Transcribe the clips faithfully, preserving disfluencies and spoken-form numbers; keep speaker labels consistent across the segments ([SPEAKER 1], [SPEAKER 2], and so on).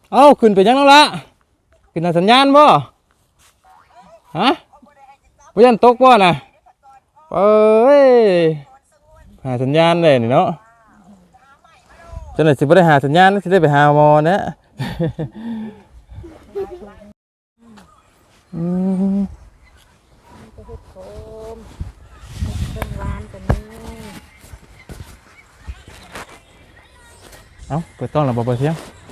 [SPEAKER 1] เอ้าขึ้นไปยังแล้วล่ะขึ้นหาสัญญาณบ่ฮะบ่ยันตกบ่น่ะเอ้ยหาสัญญาณเลยนี่เนาะจังได๋สิบ่ได้หาสัญญาณสิได้ไปหาหมอนะอืมเอ้าเปิดกล้องแล้วบ่เปิดเสียง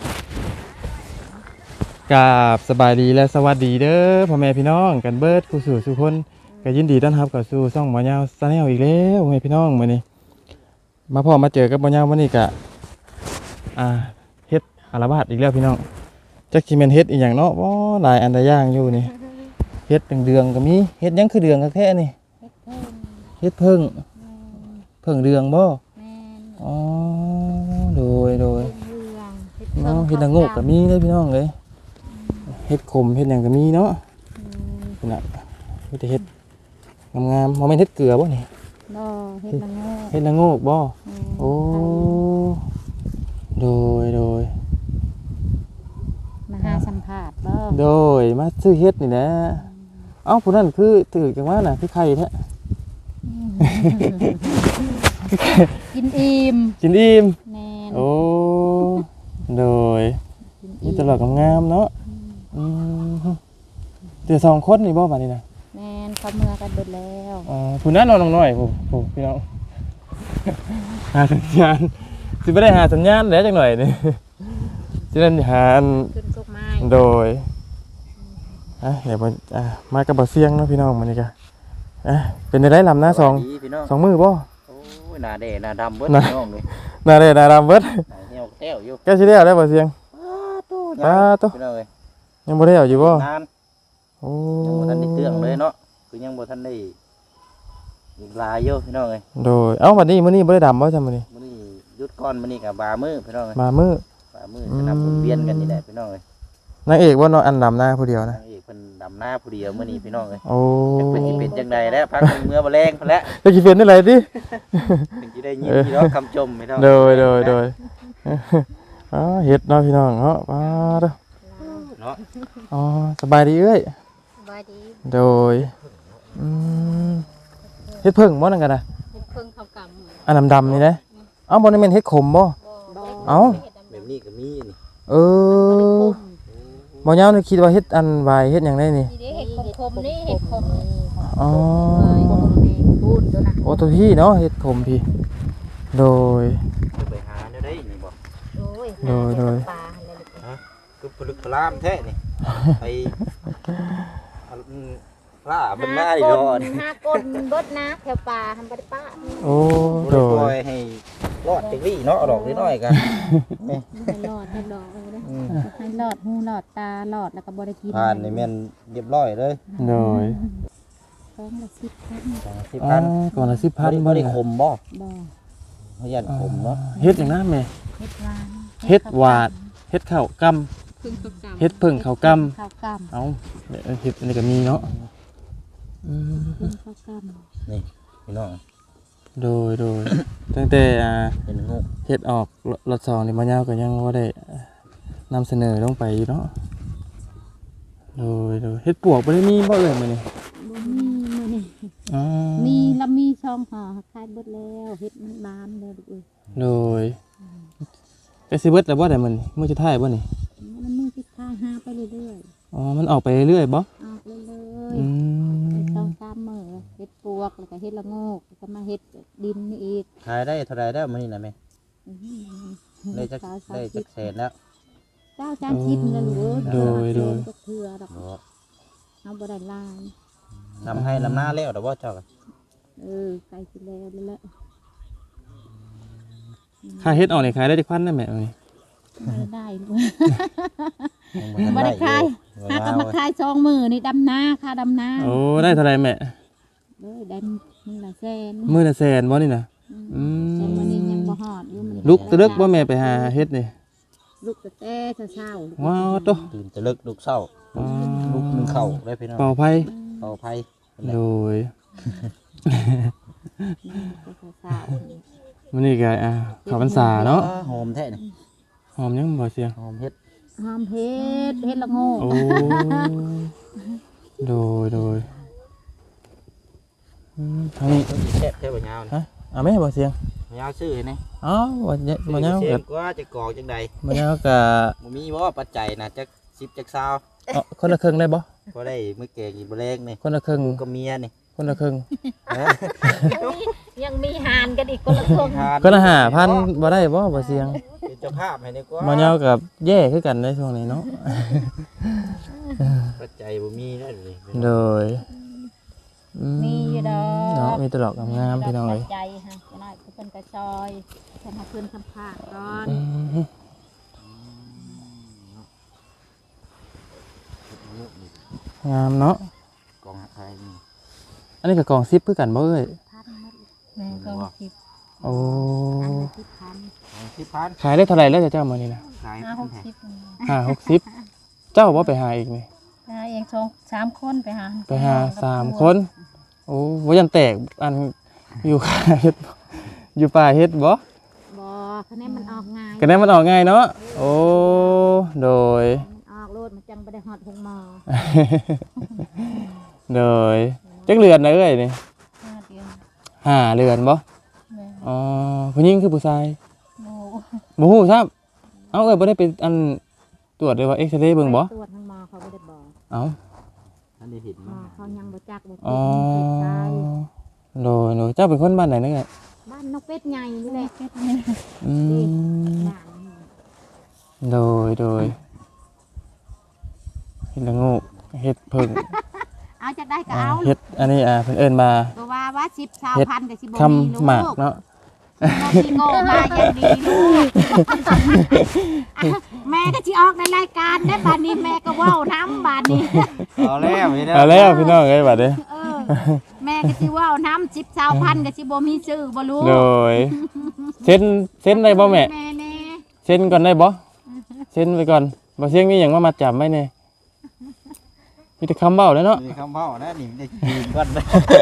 [SPEAKER 1] กราบสบายดีและสวัสดีเด้อพ่อแม่พี่น้องกันเบิดผู้สู่ทุกคนก็ยินดีต้อนรับเข้าสู่ช่องหมอยาวชาแนลอีกแล้วพ่อแม่พี่น้องมื้อนี้มาพ่อมาเจอกับหมอยาวมื้อนี้ก็อ่าเฮ็ดอาราบาดอีกแล้วพี่น้องจักสิแม่นเฮ็ดอีหยังเนาะบ่หลายอันใดอย่างอยู่นี่เฮ็ดเดืองๆก็มีเฮ็ดหยังคือเดืองคักแท้นี่เฮ็ดเพิ่งเพิ่งเดืองบ่อ๋อโดยโดยเนาะเฮ็ดละโงกก็มีเด้อพี่น้องเอ้ยเฮ็ดขมเฮ็ดหยังก็มีเนาะนี่น่ะเฮ็ดเฮ็ดงามๆบ่แม่นเฮ็ดเกลือบ่นี่
[SPEAKER 2] บ่เฮ็ดละโงก
[SPEAKER 1] เฮ็ดละโงกบ่โอ้โดยโดย
[SPEAKER 2] มาหาสัมภาษณ์บ่
[SPEAKER 1] โดยมาซื้อเฮ็ดนี่แหละเอ้าผู้นั้นคือถือจังว่าน่ะคือไข่แท้
[SPEAKER 2] กินอิ่ม
[SPEAKER 1] กินอิ่ม
[SPEAKER 2] แม่น
[SPEAKER 1] โอ้โดยมีตลอดงามๆเนาะอืมเดี๋ยวสองคนนี่บ่บัดนี้น่ะ
[SPEAKER 2] แม่นเขาเมื่อกันเบิดแล้ว
[SPEAKER 1] อ๋อผู้นั้นนอนน้อยๆผู้ผู้พี่น้องหาสัญญาณสิบ่ได้หาสัญญาณแล้วจังหน่อยนี่สิได้หาอัน
[SPEAKER 2] ขึ้นกกไม้
[SPEAKER 1] โดยอ่ะเดี๋ยวอ่ะมากับบ่เสียงเนาะพี่น้องมื้อนี้ก็อ่ะเป็นได้ลำหน้าสองสองมือบ่
[SPEAKER 3] โอ้ยหน้าแดงหน้าดำเบิดพี่น้องเลย
[SPEAKER 1] หน้าแดงหน้าดำเบิด
[SPEAKER 3] หน้าเหี่ยวแต้วอยู่
[SPEAKER 1] แกสิได้เอาได้บ่เสียง
[SPEAKER 3] ตาโตพี่น้องเอ้ย
[SPEAKER 1] ยังบ่ได้เอาอยู่บ่
[SPEAKER 3] นาน
[SPEAKER 1] โอ้
[SPEAKER 3] ยังบ่ทันได้เตื้องเลยเนาะคือยังบ่ทันได้อีกหลายอยู่พี่น้องเอ้ย
[SPEAKER 1] โดยเอ้าวันนี้มื้อนี้บ่ได้ดำบ่จ้ะมื้อนี้
[SPEAKER 3] มื้อนี้หยุดก่อนมื้อนี้ก็บามื้อพี่น้องเอ้ย
[SPEAKER 1] มามื้อ
[SPEAKER 3] บ่ามื้อสนับสนุนเวียนกันนี่แหละพี่น้องเอ้ย
[SPEAKER 1] นางเอกบ่เนาะอันดำหน้าผู้เดียวนะ
[SPEAKER 3] นางเอกเพิ่นดำหน้าผู้เดียวมื้อนี้พี่น้องเอ้ย
[SPEAKER 1] โอ้
[SPEAKER 3] จักเพิ่นสิเป็นจังไดแล้วพักเมื่อบ่แรงพุ่นแล้ว
[SPEAKER 1] จะสิเป็นได้ไรติ
[SPEAKER 3] เพิ่นสิได้ยินพี่น้องคำชมพี่น้อง
[SPEAKER 1] โดยโดยโดยอ๋อเฮ็ดเนาะพี่น้องเนาะมาเด้อ
[SPEAKER 3] เนาะ
[SPEAKER 1] อ๋อสบายดีเอ้ย
[SPEAKER 2] สบายดี
[SPEAKER 1] โดยอืมเฮ็ดเพิ่งบ่นั่นกันน่ะ
[SPEAKER 2] เฮ็ดเพิ่งข้าวกำ
[SPEAKER 1] อันดำๆนี่นะเอ้าบ่ได้แม่นเฮ็ดขมบ่เอ้า
[SPEAKER 3] แบบนี้ก็มีนี่
[SPEAKER 1] เออบ่ยาวนี่คิดว่าเฮ็ดอันวายเฮ็ดหยังได้นี่
[SPEAKER 2] นี่เฮ็ดขมๆนี่เฮ็ดขม
[SPEAKER 1] อ๋อ
[SPEAKER 2] พูดตัวน่ะ
[SPEAKER 1] โอ้ตัวพี่เนาะเฮ็ดขมพี่โดย
[SPEAKER 3] ไปหาได้นี่บ่
[SPEAKER 2] โอ้ย
[SPEAKER 1] โดยโดย
[SPEAKER 2] ปลาอะไร
[SPEAKER 3] ฮะคือพลึกพลามแท้นี่ไปปลาบนหน้าดิโดน
[SPEAKER 2] หน้าก้นเบิดนะแถวป่าทำบ่ได้ป้า
[SPEAKER 1] โอ้โด
[SPEAKER 3] ยให้รอดจังซี่เนาะดอกน้อยๆกัน
[SPEAKER 2] นี่ให้รอดให้รอดเด้อให้รอดหูรอดตารอดแล้วก็บ่ได้กิน
[SPEAKER 3] ผ่านนี่แม่นเรียบร้อยเลย
[SPEAKER 1] โดย
[SPEAKER 2] กองละสิบพัน
[SPEAKER 3] สิบพัน
[SPEAKER 1] ก่อนละสิบพัน
[SPEAKER 3] บ่ได้ขมบ่
[SPEAKER 2] บ่
[SPEAKER 3] เฮายันขมเนาะ
[SPEAKER 1] เฮ็ดหยังนะแม่
[SPEAKER 2] เฮ็ดหวาน
[SPEAKER 1] เฮ็ดหวานเฮ็ดข้าวกำเฮ็ดเพิ่งข้าวกำ
[SPEAKER 2] ข้าวกำ
[SPEAKER 1] เอ้าเฮ็ดอันนี้ก็มีเนาะอืม
[SPEAKER 2] ข้าวกำ
[SPEAKER 3] นี่พี่น้อง
[SPEAKER 1] โดยโดยตั้งแต่อ่า
[SPEAKER 3] เห็นงู
[SPEAKER 1] เฮ็ดออกรถสองนี่มายาวก็ยังบ่ได้นำเสนอลงไปเนาะโดยโดยเฮ็ดปวกบ่ได้มีบ่เอ่ยมื้อนี้
[SPEAKER 2] บ่มีมื้อนี้
[SPEAKER 1] อ๋อ
[SPEAKER 2] มีแล้วมีช่องห่อขายเบิดแล้วเฮ็ดมันบานแล้วลูกเอ้ย
[SPEAKER 1] โดยก็สิเบิดแล้วบ่ได้มื้อนี้มื้อสุดท้ายบ่นี่
[SPEAKER 2] มันมือสุดท้ายหาไปเรื่อย
[SPEAKER 1] ๆอ๋อมันออกไปเรื่อยๆบ่
[SPEAKER 2] ออกเรื่อยๆ
[SPEAKER 1] อืม
[SPEAKER 2] ช่องสามมื้อเฮ็ดปวกแล้วก็เฮ็ดละโงกแล้วก็มาเฮ็ดดินนี่อีก
[SPEAKER 3] ขายได้เท่าไหร่แล้วมื้อนี้น่ะแม่ได้จักได้จักแสนแล้ว
[SPEAKER 2] เจ้าจานชิดนั่นลูก
[SPEAKER 1] โดยโดย
[SPEAKER 2] เทื่อดอกเอาบ่ได้ลาย
[SPEAKER 3] นำให้ลำหน้าแล้วดอกบ่เจ้าก็
[SPEAKER 2] เออใกล้สิแล้วแล้วแหละ
[SPEAKER 1] ค่าเฮ็ดออกนี่ขายได้จักพันได้แม่มื้อนี้
[SPEAKER 2] ไม่ได้ไม่ได้ขายหาก็มาขายสองมื้อนี่ดำนาค่าดำนา
[SPEAKER 1] โอ้ได้เท่าไหร่แม่
[SPEAKER 2] เอ้ยได้มื้อละแสน
[SPEAKER 1] มื้อละแสนบ่นี่น่ะอืม
[SPEAKER 2] แต่มื้อนี้ยังบ่ฮอดอยู่มัน
[SPEAKER 1] ลุกตะลึกบ่แม่ไปหาเฮ็ดนี่
[SPEAKER 2] ลุกแต่เช้า
[SPEAKER 1] ว้าวโต
[SPEAKER 3] ตื่นตะลึกลุกเช้าลุกนึงเข้าได้พี่น้อง
[SPEAKER 1] เป่าไผ
[SPEAKER 3] เป่าไผ
[SPEAKER 1] โดยมื้อนี้ก็อ่าเข้าพรรษาเนาะ
[SPEAKER 3] หอมแท้นี่
[SPEAKER 1] หอมยังบ่เสียง
[SPEAKER 3] หอมเฮ็ด
[SPEAKER 2] หอมเฮ็ดเฮ็ดละโง่
[SPEAKER 1] โอ้โดยโดยอืมทางนี้
[SPEAKER 3] ต้องสิแซ่บแท้บ่ยาวนี่
[SPEAKER 1] ฮะเอาไหมบ่เสียง
[SPEAKER 3] ยาวซื้อให้แน่
[SPEAKER 1] อ๋อบ่เนี่ยบ่ยาว
[SPEAKER 3] ซื้อ
[SPEAKER 1] กั
[SPEAKER 3] เสียงกว่าจะกรอกจังใด
[SPEAKER 1] บ่ยาวกะ
[SPEAKER 3] บ่มีบ่ปัจจัยน่ะจักสิบจักซาว
[SPEAKER 1] เอาคนละครึ่งได้บ่
[SPEAKER 3] บ่ได้มื้อแกงอีบ่แรงนี่
[SPEAKER 1] คนละครึ่ง
[SPEAKER 3] ก็เมียนี่
[SPEAKER 1] คนละครึ่ง
[SPEAKER 2] ยังมีหานกันอีกคนละคน
[SPEAKER 1] คนละห้าพันบ่ได้บ่บ่เสียง
[SPEAKER 3] เป็นเจ้าภาพให้ดีกว่า
[SPEAKER 1] บ่ยาวกับแย่คือกันในช่วงนี้เนาะ
[SPEAKER 3] ปัจจัยบ่มีนั่นนี่
[SPEAKER 1] โดยอื
[SPEAKER 2] มีอยู่ดอก
[SPEAKER 1] เนาะมีแตดอกงามๆพี่น้องเอ้ย
[SPEAKER 2] ใจฮะจะน้อยเพิ่นก็ซอยเพิ่นหาคืนคำพากก่อน
[SPEAKER 1] อืมงามเนาะ
[SPEAKER 3] กองไทยนี่
[SPEAKER 1] อันนี้ก็กล่องซิปคือกันบ่เอ้ย
[SPEAKER 2] พันหมดแม่ก็คิด
[SPEAKER 1] โอ้
[SPEAKER 2] อันละสิบพัน
[SPEAKER 3] ของที่พัน
[SPEAKER 1] ขายได้เท่าไหร่แล้วเจ้ามานี่นะ
[SPEAKER 3] ขาย
[SPEAKER 2] ห้าหกสิบ
[SPEAKER 1] ห้าหกสิบเจ้าบ่ไปหาอีกนี่
[SPEAKER 2] หาเองสองสามคนไปหา
[SPEAKER 1] ไปหาสามคนโอ้บ่ยันแตกอันอยู่ค่าเฮ็ดบ่อยู่ป่าเฮ็ดบ่
[SPEAKER 2] บ่คะแนนมันออกง่าย
[SPEAKER 1] ก็ได้มันออกง่ายเนาะโอ้โดย
[SPEAKER 2] มันออกโลดมันจังบ่ได้ฮอดหงหมอ
[SPEAKER 1] โดยจักเรือนนะเอ้ยนี่
[SPEAKER 2] ห้าเดือน
[SPEAKER 1] ห้าเรือนบ่
[SPEAKER 2] แม่
[SPEAKER 1] อ๋อผู้หญิงคือผู้ชาย
[SPEAKER 2] โม
[SPEAKER 1] บ่ฮู้ครับเอ้าเอ้ยบ่ได้ไปอันตรวจเลยว่าเอ็กซเรย์เบิ่งบ่
[SPEAKER 2] ตรวจทางหมอเขาบ่ได้บอก
[SPEAKER 1] เอ้า
[SPEAKER 3] อันนี้เห็น
[SPEAKER 2] หม
[SPEAKER 3] มั้
[SPEAKER 2] อย เขายังบ่จักบ่
[SPEAKER 1] อ๋อ
[SPEAKER 2] ติดใจ
[SPEAKER 1] โดยโดยเจ้าเป็นคนบ้านไหนเนอะ
[SPEAKER 2] บ้านนกเป็ดใหญ่นี่แหละเป็ด
[SPEAKER 1] อืม
[SPEAKER 2] บ้านนี่
[SPEAKER 1] โดยโดยเฮ็ดละงูเฮ็ดเพิ่ง
[SPEAKER 2] เอาจะได้ก็
[SPEAKER 1] อ่า
[SPEAKER 2] เอา
[SPEAKER 1] เฮ็ดอันนี้อ่าเพิ่นเอิ้นมา
[SPEAKER 2] ก็ว่าว่าสิบสาวพันกับสิบ
[SPEAKER 1] คำ
[SPEAKER 2] มีลูก
[SPEAKER 1] หมากเนาะ
[SPEAKER 2] บ่มีโง่มาอย่างดีลูกแม่ก็สิออกในรายการได้บัดนี้แม่ก็เว้าน้ำบัดนี้
[SPEAKER 3] เอาแล้วพี่น้อง
[SPEAKER 1] เอาแล้วพี่น้องเอ้ยบัดนี้
[SPEAKER 2] เออแม่ก็สิเว้าน้ำสิบสาวพันกับสิบ่มีชื่อบ่รู้
[SPEAKER 1] โดยเซ็นเซ็นได้บ่แม่
[SPEAKER 2] แม่แน่
[SPEAKER 1] เซ็นก่อนได้บ่เซ็นไปก่อนบ่เสียงมีหยังมามัดจำไว้แน่มีแต่คำเว้าแล้วเนาะ
[SPEAKER 3] มีคำเว้านะนี่ได้ยืมก่อนเลย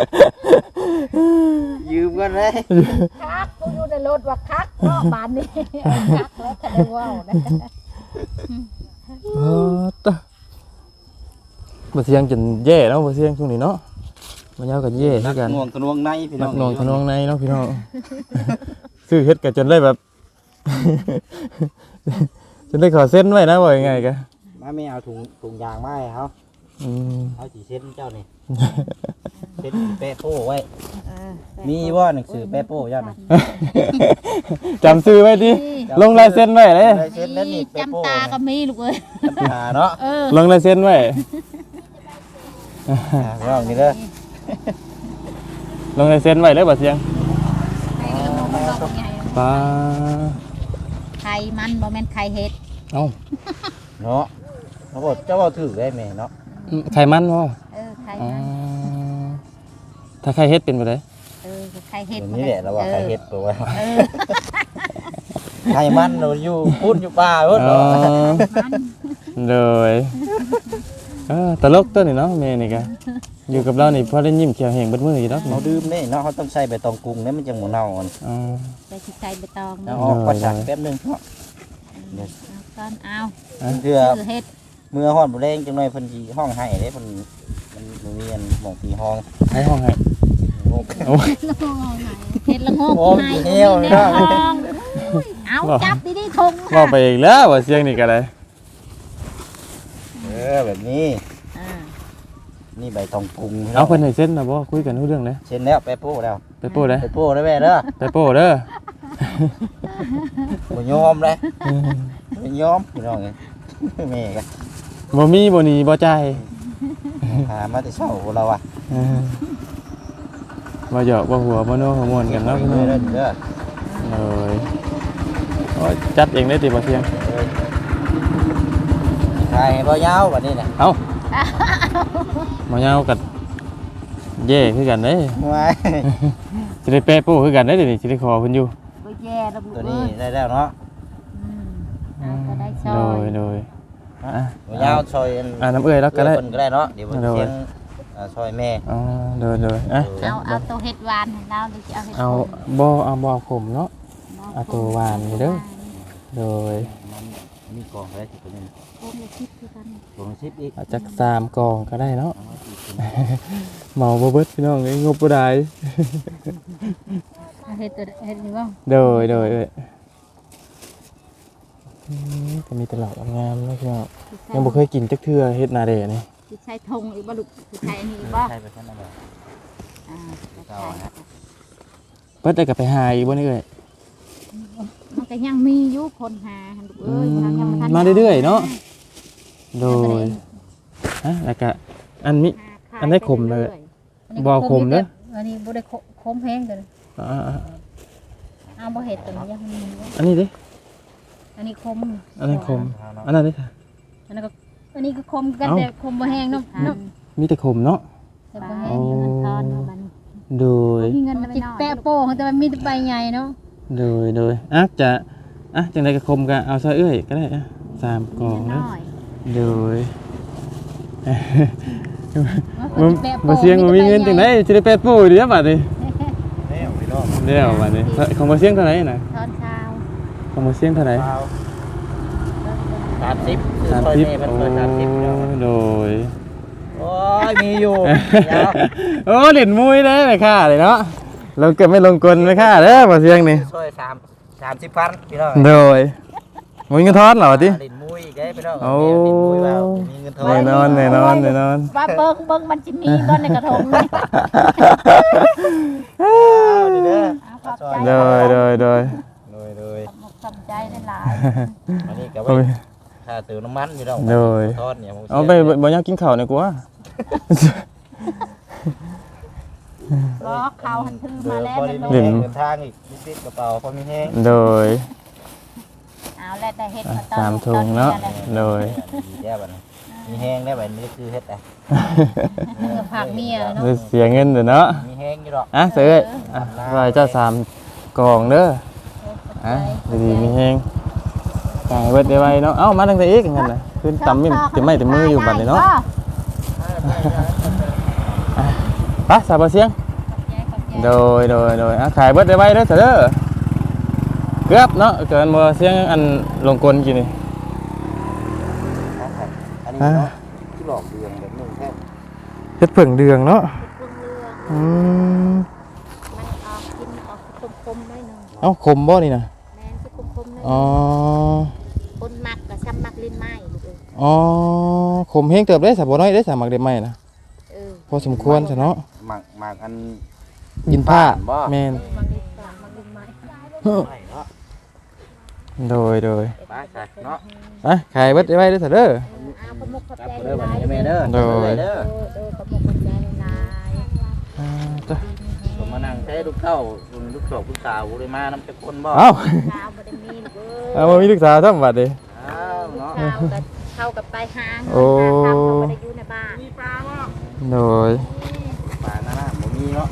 [SPEAKER 3] ยืมก่อนเลย
[SPEAKER 2] คักกูอยู่ในรถว่าคักเนาะบานนี้คักแล้วก็ได้เว้าได้
[SPEAKER 1] เออตะบ่เสียงจนแย่เนาะบ่เสียงช่วงนี้เนาะมันยาวกันแย่
[SPEAKER 3] นั
[SPEAKER 1] คื
[SPEAKER 3] ก
[SPEAKER 1] อกัน
[SPEAKER 3] หน่วงทะนวงในพี่น้
[SPEAKER 1] นั
[SPEAKER 3] อง
[SPEAKER 1] กหนองทะนองในเนาะพี่น้อง ซื้อเฮ็ดกันจนได้แบบ จนได้ขอเส้นไว้นะว่ายังไงกะ
[SPEAKER 3] มาไม่เอาถุงถุงยางมาให้เขา
[SPEAKER 1] อืม
[SPEAKER 3] เอาสีเส้นเจ้านี่เส้นแปะโป้ไว้
[SPEAKER 2] เออ
[SPEAKER 3] มีว่าหนังสือแปะโป้เจ้าน่ะ
[SPEAKER 1] จำซื้อไว้ดิลงลายเส้นไว้เลย
[SPEAKER 3] ลายเส้นนั่นนี่แปะโป้
[SPEAKER 2] จำตาก็มีลูกเอ้ย
[SPEAKER 3] จำตาเนาะ
[SPEAKER 2] เออ
[SPEAKER 1] ลงลายเส้นไว้
[SPEAKER 3] อ่าพี่น้องนี่เด้อ
[SPEAKER 1] ลงลายเส้นไว้เลยบ่เสียง
[SPEAKER 2] ไข่กระนมมันบอกไง
[SPEAKER 1] ปลา
[SPEAKER 2] ไข่มันบ่แม่นไข่เห็ด
[SPEAKER 1] เอ้า
[SPEAKER 3] เนาะเขาบอกเจ้าว่าถือได้ไหมเนาะ
[SPEAKER 1] ไข่มันบ่
[SPEAKER 2] เออไข่
[SPEAKER 1] อ๋อ
[SPEAKER 2] มัน
[SPEAKER 1] ถ้าไข่เฮ็ดเป็นบ่ได้
[SPEAKER 2] เออไข่เห็ด
[SPEAKER 3] เดี๋ยวนี้แหละเราว่าไข่เห็ดตัวไว้
[SPEAKER 2] เออ
[SPEAKER 3] ไข่มันเราอยู่พูดอยู่ป่าพูด
[SPEAKER 1] อ๋อ
[SPEAKER 3] เนาะ
[SPEAKER 2] มัน
[SPEAKER 1] เลยเออตลกตัวนี่เนาะแม่นี่กะอยู่กับเรานี่พอได้ยิ้มเขียวแห้งเบิดมื้ออยู่ดอก
[SPEAKER 3] เขาดื่มนี่เนาะเขาต้องใส่ใบตองกรุงเนี่ยมันจะหมูเน่าอ่อน
[SPEAKER 1] อ๋อ
[SPEAKER 2] ใส่ไข่ใบตอง
[SPEAKER 3] แล้
[SPEAKER 2] นี่
[SPEAKER 3] วออกปัสสาวะแป๊บนึงเนาะ
[SPEAKER 2] เอาก่อนเอา
[SPEAKER 3] เพื่อ
[SPEAKER 2] คือเห็ด
[SPEAKER 3] เมื่อห้อนบุแรงจังหน่อยเพิ่นสิห้องให้เด้เพิ่นมันมันมีอันหม่องปีห้อง
[SPEAKER 1] ให้ห้องให้
[SPEAKER 3] โอ้
[SPEAKER 1] โอ้ย
[SPEAKER 2] เห็ดละโงก
[SPEAKER 3] โอ้ย
[SPEAKER 2] ใน
[SPEAKER 3] เหี้ยว
[SPEAKER 2] ใน
[SPEAKER 3] เนาะ
[SPEAKER 2] ทองเอาจับดีๆทง
[SPEAKER 1] ว่าไปอีกแล้วว่าเสียงนี่ก็ได้
[SPEAKER 3] เออแบบนี้
[SPEAKER 2] อ่า
[SPEAKER 3] นี่ใบตองกรุง
[SPEAKER 1] เอาเพิ่นให้เส้นน่ะบ่คุยกันรู้เรื่องเลย
[SPEAKER 3] เช่นแล้วไปโป้แล้ว
[SPEAKER 1] ไปโป้ได้
[SPEAKER 3] ไปโป้ได้แม่เด้อ
[SPEAKER 1] ไปโป้เด้อ
[SPEAKER 3] บ่ยอมเลยบ่ยอมพี่น้องเอ้ยแม่ก็
[SPEAKER 1] บ่มีบ่หนีบ่จ่าย
[SPEAKER 3] หามาแต่เช้าเราอ่ะ
[SPEAKER 1] เออบ่หยอกบ่หัวบ่นัวบ่ม่วนกันเนาะพี่น้อง
[SPEAKER 3] เด้อเด้อ
[SPEAKER 1] เลยโอ้ยจัดเองได้ติบ่เสียง
[SPEAKER 3] เอ้ยถ่ายให้บ่ยาวบัดนี้น่ะ
[SPEAKER 1] เอ้าบ่ยาวกัดแย่คือกันเด้
[SPEAKER 3] ว้าย
[SPEAKER 1] สิได้แปะโป้คือกันเด้เดี๋ยวนี้สิได้ขอเพิ่นอยู่
[SPEAKER 2] บ่แย่ระบุ
[SPEAKER 3] ตัว
[SPEAKER 2] เอ้
[SPEAKER 3] นี้
[SPEAKER 2] ย
[SPEAKER 3] ได้แล้วเนาะ
[SPEAKER 2] อืมเอาก็ได้ซ
[SPEAKER 1] โด
[SPEAKER 2] อย
[SPEAKER 1] ยโดย อ่ะ
[SPEAKER 3] บ่ยาวซอยอัน
[SPEAKER 1] อ่าน้ำเอื้อยแล้วก็ได้
[SPEAKER 3] เพิ่นก็ได้เนาะเดี๋ยวเพิ่น
[SPEAKER 1] โดย
[SPEAKER 3] เสียงอ่าซอยแม่
[SPEAKER 1] อ๋อโดยโดยอ่ะ
[SPEAKER 2] เอาเอาตัวเห็ดหวานของเราหรือจะเอาเห็ด
[SPEAKER 1] เอา
[SPEAKER 2] ขม
[SPEAKER 1] บ่เอาบ่เอาขมเนาะ เอาตัวหวานนี่เด้อ โดย
[SPEAKER 3] มมีกองอะไรสิตัวนี้
[SPEAKER 2] โอ้ยคิดคือกัน
[SPEAKER 3] กองสิบอีก
[SPEAKER 1] อาจจะสามกองก็ได้เนาะ
[SPEAKER 3] เอาอีกตัว
[SPEAKER 1] เหมาบ่เบิดพี่น้องเอ้ยงบบ่ได้
[SPEAKER 2] เฮ็ดตัวเฮ็ดนี่บ่
[SPEAKER 1] โดยโดยเอ้ยอืมก็มีแตลาดงามๆเนาะพี่น้องยังบ่เคยกินจักเทื่อเฮ็ดนาเดนี่
[SPEAKER 2] สิใช้ธงอีกบ่ลูกสิใช้อันนี้อีกบ่
[SPEAKER 3] ใช่ไปท่านอะไร
[SPEAKER 2] อ่า
[SPEAKER 3] เก่านะ
[SPEAKER 1] เพิ่นได้ก็ไปหาอีกบ่นี่เอ้ย
[SPEAKER 2] มันก็ยังมีอยู่คนหาหั่นลูกเอ้ยทางยังบ่ทัน
[SPEAKER 1] มาเรื่อยๆเนาะโดยฮะแล้วก็อันนี้ อันนี้ขมเลย บ่ขมเด้อ
[SPEAKER 2] อันนี้บ่ได้ขมแพงกัน
[SPEAKER 1] อ่า
[SPEAKER 2] เอาบ่เฮ็ดตัวนี้ยังมีอยู่
[SPEAKER 1] อันนี้ดิ
[SPEAKER 2] อันนี้คม
[SPEAKER 1] อันนั้นคมอันนั้นดิค่ะ
[SPEAKER 2] อันนั้นก็อันนี้ก็คมกัน
[SPEAKER 1] เอ้า
[SPEAKER 2] แต่คมบ่แห้งเนาะเนาะ
[SPEAKER 1] มีแต่ขมเนาะ
[SPEAKER 2] แต่บ่แห้งอยู่มันทอนมาบัดนี้
[SPEAKER 1] โดย
[SPEAKER 2] มีเงินมันจิแปะโป้แต่มันมีแต่ใบใหญ่เนาะ
[SPEAKER 1] โดยโดยอ่ะจะอ่ะจังไดก็คมก็เอาซะเอ้ยก็ได้อ่ะสามกล่อง
[SPEAKER 2] น้
[SPEAKER 1] เนาะ
[SPEAKER 2] อย
[SPEAKER 1] โดย
[SPEAKER 2] มัน
[SPEAKER 1] บ่
[SPEAKER 2] สิแปะโป้
[SPEAKER 1] บ่เสียงบ่มีเงินจังได๋สิได้แปดปูเดี๋ยวบัดนี้
[SPEAKER 3] แล้วพี่น้อง
[SPEAKER 1] เดี๋ยวบัดนี้ของบ่เสียงเท่าไหร่น่ะ
[SPEAKER 2] ทอนเช้า
[SPEAKER 1] ของบ่เสียงเท่าไหร่
[SPEAKER 3] สามสิบ
[SPEAKER 1] สามสิบ
[SPEAKER 3] เป็น
[SPEAKER 1] โอ้
[SPEAKER 3] เปิดสามสิบแล้ว
[SPEAKER 1] โดย
[SPEAKER 3] โอ้ยมีอยู่เดี๋ยว
[SPEAKER 1] โอ้เล่นมุ้ยเด้แม่ค่าเลยเนาะลงเกิดไม่ลงกลแม่ค่าเด้อบ่เสียงนี่
[SPEAKER 3] ช่วยสามสามสิบพันพี่น้อง
[SPEAKER 1] โดยมุ้ยเงินทอนเหรอติ
[SPEAKER 3] ลินมุ้ยอีกได้พี่น้อง
[SPEAKER 1] โอ้
[SPEAKER 3] ลินมุ้ยว่ามีเงินทอ
[SPEAKER 1] แน่
[SPEAKER 3] น
[SPEAKER 1] นอนแน่นอนแน่นอน
[SPEAKER 2] ว่าเบิ่งเบิ่งมันสิมีบ่ในกระทงนี่
[SPEAKER 3] อ้าวนี่เด้อ
[SPEAKER 2] เอาขอบใจ
[SPEAKER 1] โดยโดยโดย
[SPEAKER 3] โดยโดย
[SPEAKER 2] ขอบคุณขอบใจหลาย
[SPEAKER 3] อันนี้ก็
[SPEAKER 1] โอ้
[SPEAKER 3] ไว้
[SPEAKER 1] ย
[SPEAKER 3] ค่าซื้อน้ำมันพี่น้อง
[SPEAKER 1] โดย
[SPEAKER 3] ทอดเนี่ยผม
[SPEAKER 1] เอาไปบ่อยากกินข้าวหน่อยกูว่า
[SPEAKER 2] ๆรอเขาหันถือมาแล้ว
[SPEAKER 3] เดิ
[SPEAKER 2] นั่น
[SPEAKER 3] น
[SPEAKER 2] ลูก
[SPEAKER 3] เดินทางอีกนิดๆกระเป๋าพอมีแห้ง
[SPEAKER 1] โดย
[SPEAKER 2] เอาแล้วแต่เฮ็ดมาตอน
[SPEAKER 1] สามถุงเนาะโดย
[SPEAKER 3] ดีแย่บัดนี้มีแห้งได้บัดนี้คือเฮ็ดอ่ะ
[SPEAKER 2] เพื่อผักเมียเนาะ
[SPEAKER 1] เสียเงินเด้อเนาะ
[SPEAKER 3] มีแห้งอยู่ดอก
[SPEAKER 1] อ่ะเสืออ่ะไว้เจ้าสามกล่องเด้ออ่ะดีๆมีแฮงจ่ายเบิดได้ไว้เนาะเอ้ามาตั้งแต่อีกงั้นน่ะขึ้นตำมิ่มจะไม่แต่มืออยู่บัดนี้เนาะไปสาบ่เสียง โดยโดยโดยอ่ะขายเบิดได้ไว้เด้อเสือเด้อเกือบเนาะเกินบ่เสียงอันลงกลกี่นี่
[SPEAKER 3] อันนี้เนาะที่หลอกเดืองแบบนึงแค่
[SPEAKER 1] เฮ็ดเพิ่งเดืองเนาะอืม
[SPEAKER 2] มันออกกินออกคมๆได้หนึง
[SPEAKER 1] เอ้าคมบ่นี่น่ะ
[SPEAKER 2] แม่นสิคมๆได้
[SPEAKER 1] อ๋อ
[SPEAKER 2] คนมักก็ซ้ำมักลิ้นไม้ลูกเอ้ย
[SPEAKER 1] อ๋อคมเฮงเติบได้สาบ่น้อยได้สามักได้ไหมนะ
[SPEAKER 2] เออ
[SPEAKER 1] พอสมควรซะเนาะ
[SPEAKER 3] หมักหมักอัน
[SPEAKER 1] ยินผ้า
[SPEAKER 3] บ่
[SPEAKER 1] แม่น
[SPEAKER 2] มักลิ้นปากมักลิ้นไม้
[SPEAKER 3] ไม่เนาะ
[SPEAKER 1] โดยโดย
[SPEAKER 3] ไปใส่เนาะ
[SPEAKER 1] อ่ะขายเบิดได้ไว้เด้อเถอะเด้อ
[SPEAKER 2] เอาขมุกขอบ
[SPEAKER 3] กลับ
[SPEAKER 2] ใจ
[SPEAKER 3] เด้อ
[SPEAKER 2] ห
[SPEAKER 3] บัด
[SPEAKER 2] ลาย
[SPEAKER 3] นี้แม่เด้อ
[SPEAKER 1] โดย
[SPEAKER 3] เด้อ
[SPEAKER 2] เออเออขมุกขอบใจหลาย
[SPEAKER 1] อ่าจ้ะ
[SPEAKER 3] ผมมานั่งใช้ลูกเต้าลูกสาวลูกสาวบ่ได้มานำจักคนบ่
[SPEAKER 1] เอ้า
[SPEAKER 2] ข้าวบ่ได้มีลูกเอ้ย
[SPEAKER 1] เอาบ่มีลูกสาวทำบัดดิ
[SPEAKER 3] อ้าวเนาะ
[SPEAKER 2] ข้าวกับเข้ากับไปหาเงิน
[SPEAKER 1] โอ้
[SPEAKER 2] หาข้าวก็บ่ได้อยู่ในบ้าน
[SPEAKER 1] โดย
[SPEAKER 3] ปลาหน้าหน้าบ่มีเนาะ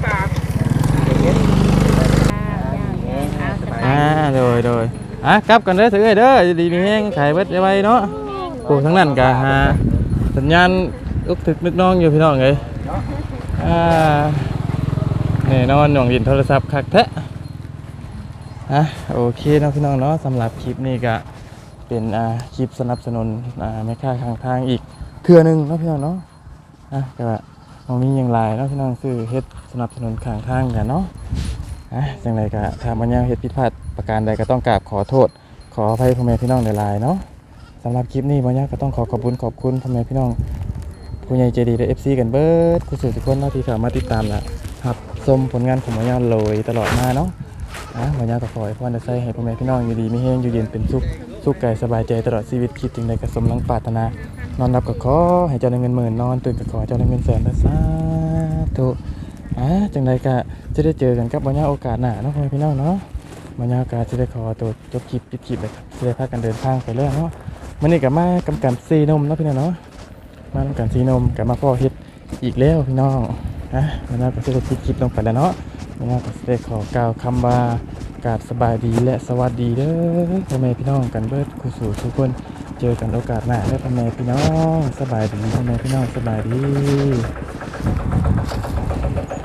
[SPEAKER 2] เอาสบาย
[SPEAKER 1] อ่าโดยโดยอ่ะกลับกันเด้อเถอะเอ้ยเด้อดีมีแฮงขายเบิดได้ไว้เนาะโอ้ทั้งนั้นก็หาสัญญาณอึกถึกนึกน้องอยู่พี่น้องเอ้ยอ่าแน่นอนหน่วงดินโทรศัพท์คักแท้อ่ะโอเคเนาะพี่น้องเนาะสำหรับคลิปนี้ก็เป็นอ่าคลิปสนับสนุนอ่าแม่ค้าข้างทางอีกเทื่อหนึงเนาะพี่น้องเนาะอ่ะก็บ่มีหยังหลายเนาะพี่น้องซื้อเฮ็ดสนับสนุนข้างทางกันเนาะอ่ะจังไดก็ถ้ามันยังเฮ็ดผิดพลาดประการใดก็ต้องกราบขอโทษ ขออภัยพ่อแม่พี่น้องหลายๆเนาะสำหรับคลิปนี้บ่ยากก็ต้องขอขอบคุณขอบคุณพ่อแม่พี่น้องผู้ใหญ่ใจดีและ เอฟ ซี กันเบิดผู้สื่อทุกคนเนาะที่เข้ามาติดตามและรับชมผลงานของบ่ยากเลยตลอดมาเนาะอ่ะบ่ยากก็ขอให้พรได้ใส่ให้พ่อแม่พี่น้องอยู่ดีมีแรงอยู่เย็นเป็นสุขสุขกายสบายใจตลอดชีวิตคิดถึงใดก็สมหวังปรารถนานอนหลับก็ขอให้เจ้าได้เงินหมื่นนอนตื่นก็ขอให้เจ้าได้เงินแสนเด้อสาธุอ่ะจังใดก็จะได้เจอกันกับบ่ยากโอกาสหน้าเนาะพ่อแม่พี่น้องเนาะ บรรยากาศจะได้ขอตัวจบคลิปปิดคลิปเลยครับจะได้พากันเดินทางไปแล้วเนาะมันนี่กับมากำกันซีนมเนาะพี่น้องเนาะมากำกันซีนมกับมาพ่อเฮ็ดอีกแล้วพี่น้องนะบรรยากาศจะได้ปิดคลิปลงไปแล้วเนาะบรรยากาศจะได้ขอกล่าวคำว่ากราบสบายดีและสวัสดีเด้อพ่อแม่พี่น้องกันเบิดคู่สู่ทุกคนเจอกันโอกาสหน้าเด้อพ่อแม่พี่น้องสบายดีพ่อแม่พี่น้องสบายดี